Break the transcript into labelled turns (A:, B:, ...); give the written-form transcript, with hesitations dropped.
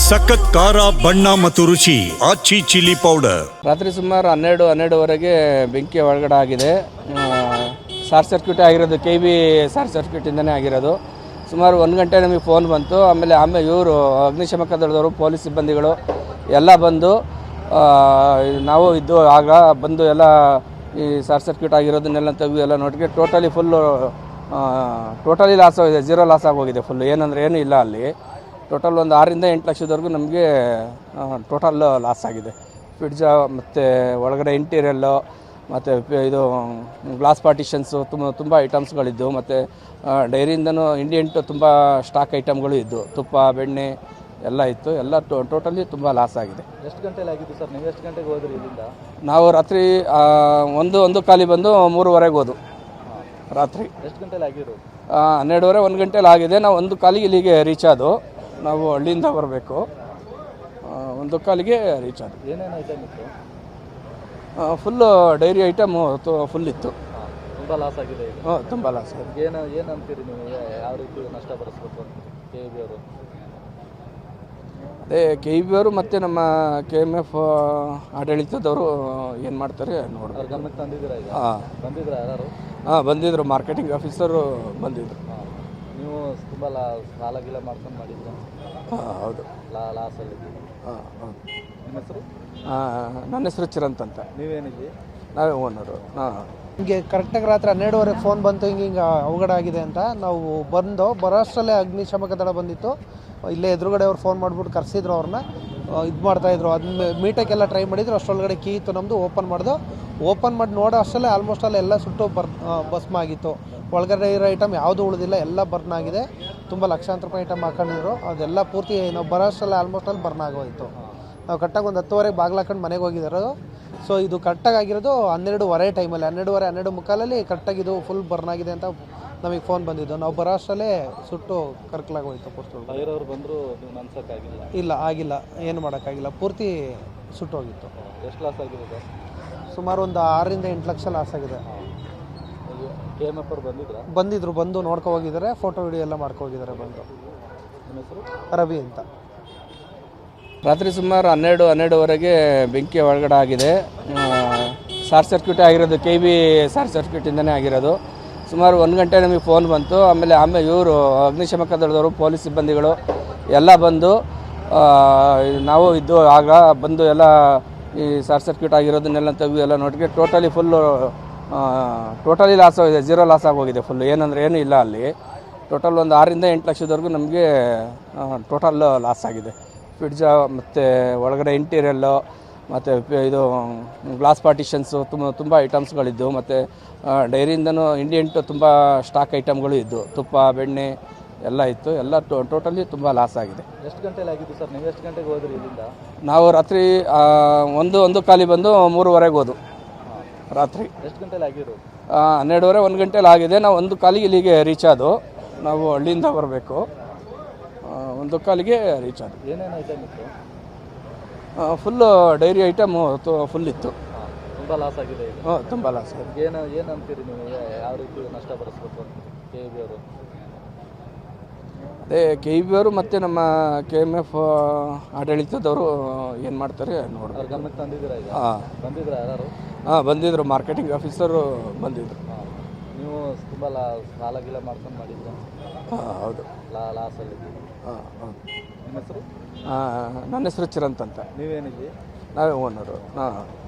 A: ಸಖತ್ ಖಾರ ಬಣ್ಣ ಮತ್ತು ರುಚಿ ಆಚಿ ಚಿಲ್ಲಿ ಪೌಡರ್.
B: ರಾತ್ರಿ ಸುಮಾರು 12:30ವರೆಗೆ ಬೆಂಕಿ ಒಳಗಡೆ ಆಗಿದೆ. ಶಾರ್ಟ್ ಸರ್ಕ್ಯೂಟ್ ಆಗಿರೋದು, KV ಶಾರ್ಟ್ ಸರ್ಕ್ಯೂಟಿಂದನೇ ಆಗಿರೋದು. ಸುಮಾರು 1 ಗಂಟೆ ನಮಗೆ ಫೋನ್ ಬಂತು. ಆಮೇಲೆ ಇವರು ಅಗ್ನಿಶಾಮಕ ದಳದವರು, ಪೊಲೀಸ್ ಸಿಬ್ಬಂದಿಗಳು ಎಲ್ಲ ಬಂದು ನಾವು ಇದ್ದು ಆಗ ಬಂದು ಎಲ್ಲ ಈ ಶಾರ್ಟ್ ಸರ್ಕ್ಯೂಟ್ ಆಗಿರೋದನ್ನೆಲ್ಲ ತೆಗೆದು ಎಲ್ಲ ನೋಡಿಗೆ ಟೋಟಲಿ ಲಾಸ್ ಆಗಿದೆ. 0 ಲಾಸ್ ಆಗೋಗಿದೆ ಫುಲ್ಲು. ಏನೂ ಇಲ್ಲ ಅಲ್ಲಿ. ಟೋಟಲ್ ಒಂದು 6 ರಿಂದ 8 ಲಕ್ಷದವರೆಗೂ ನಮಗೆ ಟೋಟಲ್ ಲಾಸ್ ಆಗಿದೆ. ಫ್ರಿಡ್ಜ ಮತ್ತು ಒಳಗಡೆ ಇಂಟೀರಿಯಲ್ಲು ಮತ್ತು ಇದು ಗ್ಲಾಸ್ ಪಾರ್ಟಿಷನ್ಸು ತುಂಬ ಐಟಮ್ಸ್ಗಳಿದ್ದು, ಮತ್ತು ಡೈರಿಯಿಂದನೂ ಇಂಡಿಯಂಟು ತುಂಬ ಸ್ಟಾಕ್ ಐಟಮ್ಗಳು ಇದ್ದು, ತುಪ್ಪ, ಬೆಣ್ಣೆ ಎಲ್ಲ ಇತ್ತು. ಎಲ್ಲ ಟೋಟಲಿ ತುಂಬ ಲಾಸ್ ಆಗಿದೆ.
C: ಎಷ್ಟು ಗಂಟೆಲಿ ಆಗಿದ್ದು ಸರ್? ನೀವು ಎಷ್ಟು ಗಂಟೆಗೆ ಹೋದ್ರಿ ಇಲ್ಲಿಂದ?
B: ನಾವು ರಾತ್ರಿ 1 ಕಾಲಿ ಬಂದು 3:30 ಹೋದು. ರಾತ್ರಿ
C: ಎಷ್ಟು ಗಂಟೆಲಿ ಆಗಿರೋದು?
B: 12:30 1 ಗಂಟೆಲಿ ಆಗಿದೆ. ನಾವು 1 ಕಾಲಿಗೆ ಇಲ್ಲಿಗೆ ರೀಚ್ ಆದವು. ನಾವು ಹಳ್ಳಿಯಿಂದ ಬರಬೇಕು. 1 ಕಾಲಿಗೆ ರೀಚ್ ಆದವು.
C: ಏನೇನು ಐಟಮ್ ಇತ್ತು?
B: ಫುಲ್ಲು ಡೈರಿ ಐಟಮು ಫುಲ್ ಇತ್ತು.
C: ತುಂಬ ಲಾಸ್ ಆಗಿದೆ ಈಗ.
B: ತುಂಬ ಲಾಸ್ ಆಗಿದೆ.
C: ಏನು ಅಂತೀರಿ ನೀವು? ಯಾವ ರೀತಿ ನಷ್ಟ ಭರಿಸ್ಬೇಕು KV ಅವರು?
B: ಅದೇ KV ಅವರು ಮತ್ತು ನಮ್ಮ KMF ಆಡಳಿತದವರು ಏನು ಮಾಡ್ತಾರೆ ನೋಡ್ಬೇಕು.
C: ಅವ್ರ ಗಮನಕ್ಕೆ ತಂದಿದ್ದೀರಾ ಈಗ? ಬಂದಿದ್ರ ಯಾರು?
B: ಬಂದಿದ್ದರು. ಮಾರ್ಕೆಟಿಂಗ್ ಆಫೀಸರು ಬಂದಿದ್ದರು.
C: ನೀವು ತುಂಬ ಸಾಲ ಗೀಲ ಮಾಡ್ಕೊಂಡು ಮಾಡಿದ್ರ?
B: ಹೌದು.
C: ಲಾಸಲ್ಲಿ?
B: ಹೌದು.
C: ನಿಮ್ಮ ಹೆಸರು?
B: ನನ್ನ ಹೆಸರು ಚಿರಂತ್ ಅಂತ.
C: ನೀವೇನಿದ್ರಿ?
B: ನಾವೇ ಓನರು.
D: ಹಿಂಗೆ ಕರೆಕ್ಟಾಗಿ ರಾತ್ರಿ 12:30 ಫೋನ್ ಬಂತು, ಹಿಂಗೆ ಅವಘಡ ಆಗಿದೆ ಅಂತ. ನಾವು ಬರೋಷ್ಟರಲ್ಲೇ ಅಗ್ನಿಶಾಮಕ ದಳ ಬಂದಿತ್ತು. ಇಲ್ಲೇ ಎದುರುಗಡೆ ಅವ್ರು ಫೋನ್ ಮಾಡಿಬಿಟ್ಟು ಕರೆಸಿದ್ರು. ಅವ್ರನ್ನ ಇದು ಮಾಡ್ತಾಯಿದ್ರು. ಅದನ್ನ ಮೀಟಕ್ಕೆಲ್ಲ ಟ್ರೈ ಮಾಡಿದ್ರು. ಅಷ್ಟರೊಳಗಡೆ ಕೀ ಇತ್ತು ನಮ್ಮದು. ಓಪನ್ ಮಾಡಿ ನೋಡೋ ಅಷ್ಟರಲ್ಲೇ ಆಲ್ಮೋಸ್ಟ್ ಎಲ್ಲ ಸುಟ್ಟು ಭಸ್ಮ ಆಗಿತ್ತು. ಒಳಗಡೆ ಇರೋ ಐಟಮ್ ಯಾವುದೂ ಉಳಿದಿಲ್ಲ, ಎಲ್ಲ ಬರ್ನ್ ಆಗಿದೆ. ತುಂಬ ಲಕ್ಷಾಂತರ ರೂಪಾಯಿ ಐಟಮ್ ಹಾಕೊಂಡಿದ್ರು. ಅದೆಲ್ಲ ಪೂರ್ತಿ ನಾವು ಬರೋಷ್ಟರಲ್ಲೇ ಆಲ್ಮೋಸ್ಟ್ ಅಲ್ಲಿ ಬರ್ನ್ ಆಗೋಯಿತು. ನಾವು ಕರೆಕ್ಟಾಗಿ ಒಂದು 10:30 ಬಾಗಿಲು ಹಾಕೊಂಡು ಮನೆಗೆ ಹೋಗಿದ್ದಾರೆ. ಸೊ ಇದು ಕರೆಕ್ಟಾಗಿ ಆಗಿರೋದು 12:30 ಟೈಮಲ್ಲಿ. 12:30 12:45 ಕರೆಕ್ಟಾಗಿ ಇದು ಫುಲ್ ಬರ್ನ್ ಆಗಿದೆ ಅಂತ ನಮಗೆ ಫೋನ್ ಬಂದಿದ್ದು. ನಾವು ಬರೋ ಅಷ್ಟರಲ್ಲೇ ಸುಟ್ಟು ಕರ್ಕಲಾಗೋಯ್ತು ಪೂರ್ತಿ.
C: ಬೇರೆಯವರು ಬಂದರು, ನನ್ಸೋಕ್ಕಾಗಿಲ್ಲ? ಇಲ್ಲ,
D: ಆಗಿಲ್ಲ, ಏನು ಮಾಡೋಕ್ಕಾಗಿಲ್ಲ. ಪೂರ್ತಿ ಸುಟ್ಟೋಗಿತ್ತು.
C: ಎಷ್ಟು ಲಾಸ್ ಆಗಿದೆ ಸರ್?
D: ಸುಮಾರು ಒಂದು 6 ರಿಂದ 8 ಲಕ್ಷ ಲಾಸ್ ಆಗಿದೆ.
C: KMF ಅವರು
D: ಬಂದಿದ್ರು. ಬಂದು ನೋಡ್ಕೊ ಹೋಗಿದ್ದಾರೆ. ಫೋಟೋ ವಿಡಿಯೋ ಎಲ್ಲ ಮಾಡ್ಕೊ ಹೋಗಿದ್ದಾರೆ ಬಂದು.
C: ನಿಮ್ಮ ಹೆಸರು?
D: ರವಿ ಅಂತ.
B: ರಾತ್ರಿ ಸುಮಾರು 12:30ವರೆಗೆ ಬೆಂಕಿ ಒಳಗಡೆ ಆಗಿದೆ. ಶಾರ್ಟ್ ಸರ್ಕ್ಯೂಟ್ ಆಗಿರೋದು, KV ಶಾರ್ಟ್ ಸರ್ಕ್ಯೂಟಿಂದನೇ ಆಗಿರೋದು. ಸುಮಾರು 1 ಗಂಟೆ ನಮಗೆ ಫೋನ್ ಬಂತು. ಆಮೇಲೆ ಇವರು ಅಗ್ನಿಶಾಮಕ ದಳದವರು, ಪೊಲೀಸ್ ಸಿಬ್ಬಂದಿಗಳು ಎಲ್ಲ ಬಂದು ನಾವು ಇದ್ದು ಆಗ ಬಂದು ಎಲ್ಲ ಈ ಶಾರ್ಟ್ ಸರ್ಕ್ಯೂಟ್ ಆಗಿರೋದನ್ನೆಲ್ಲ ತೆಗೆದು ಎಲ್ಲ ನೋಡಿಗೆ ಟೋಟಲಿ ಲಾಸ್ ಆಗಿದೆ. 0 ಲಾಸ್ ಆಗೋಗಿದೆ ಫುಲ್ಲು. ಏನೂ ಇಲ್ಲ ಅಲ್ಲಿ. ಟೋಟಲ್ ಒಂದು 6 ರಿಂದ 8 ಲಕ್ಷದವರೆಗೂ ನಮಗೆ ಟೋಟಲ್ ಲಾಸ್ ಆಗಿದೆ. ಫ್ರಿಡ್ಜ ಮತ್ತು ಒಳಗಡೆ ಇಂಟೀರಿಯಲ್ಲು ಮತ್ತು ಇದು ಗ್ಲಾಸ್ ಪಾರ್ಟಿಷನ್ಸು ತುಂಬ ಐಟಮ್ಸ್ಗಳಿದ್ದು, ಮತ್ತು ಡೈರಿಯಿಂದನೂ ಇಂಡಿಯಂಟು ತುಂಬ ಸ್ಟಾಕ್ ಐಟಮ್ಗಳು ಇದ್ದು, ತುಪ್ಪ, ಬೆಣ್ಣೆ ಎಲ್ಲ ಇತ್ತು. ಎಲ್ಲ ಟೋಟಲಿ ತುಂಬ ಲಾಸ್ ಆಗಿದೆ.
C: ಎಷ್ಟು ಗಂಟೆಲಿ ಆಗಿದ್ದು ಸರ್? ನೀವು ಎಷ್ಟು ಗಂಟೆಗೆ ಹೋದ್ರಿ ಇಲ್ಲಿಂದ?
B: ನಾವು ರಾತ್ರಿ 1 ಕಾಲಿ ಬಂದು 3:30 ಹೋದು. ರಾತ್ರಿ
C: ಎಷ್ಟು ಗಂಟೆಲಿ ಆಗಿರೋದು?
B: 12:30 1 ಗಂಟೆಲಿ ಆಗಿದೆ. ನಾವು 1 ಕಾಲಿಗೆ ಇಲ್ಲಿಗೆ ರೀಚ್ ಆದವು. ನಾವು ಹಳ್ಳಿಯಿಂದ ಬರಬೇಕು. 1 ಕಾಲಿಗೆ ರೀಚ್ ಆದವು.
C: ಏನೇನು ಐಟಮ್ ಇತ್ತು?
B: ಫುಲ್ಲು ಡೈರಿ ಐಟಮು ಫುಲ್ ಇತ್ತು.
C: ತುಂಬ ಲಾಸ್ ಆಗಿದೆ ಈಗ.
B: ತುಂಬ ಲಾಸ್ ಆಗಿದೆ.
C: ಏನು ಅಂತೀರಿ ನೀವು? ಯಾವ ರೀತಿ ನಷ್ಟ ಭರಿಸ್ಬೇಕು KV ಅವರು?
B: ಅದೇ KV ಅವರು ಮತ್ತು ನಮ್ಮ KMF ಆಡಳಿತದವರು ಏನು ಮಾಡ್ತಾರೆ ನೋಡ್ಬೇಕು.
C: ಅವ್ರ ಗಮನಕ್ಕೆ ತಂದಿದ್ದೀರಾ ಈಗ? ಬಂದಿದ್ರ ಯಾರು?
B: ಬಂದಿದ್ದರು. ಮಾರ್ಕೆಟಿಂಗ್ ಆಫೀಸರು ಬಂದಿದ್ದರು.
C: ನೀವು ತುಂಬ ಸಾಲ ಗೀಲ ಮಾಡ್ಕೊಂಡು ಮಾಡಿದ್ರ?
B: ಹೌದು.
C: ಲಾಸಲ್ಲಿ?
B: ಹೌದು.
C: ನಿಮ್ಮ ಹೆಸರು?
B: ನನ್ನ ಹೆಸರು ಚಿರಂತ್ ಅಂತ.
C: ನೀವೇನಿದ್ರಿ?
B: ನಾವೇ ಓನರು.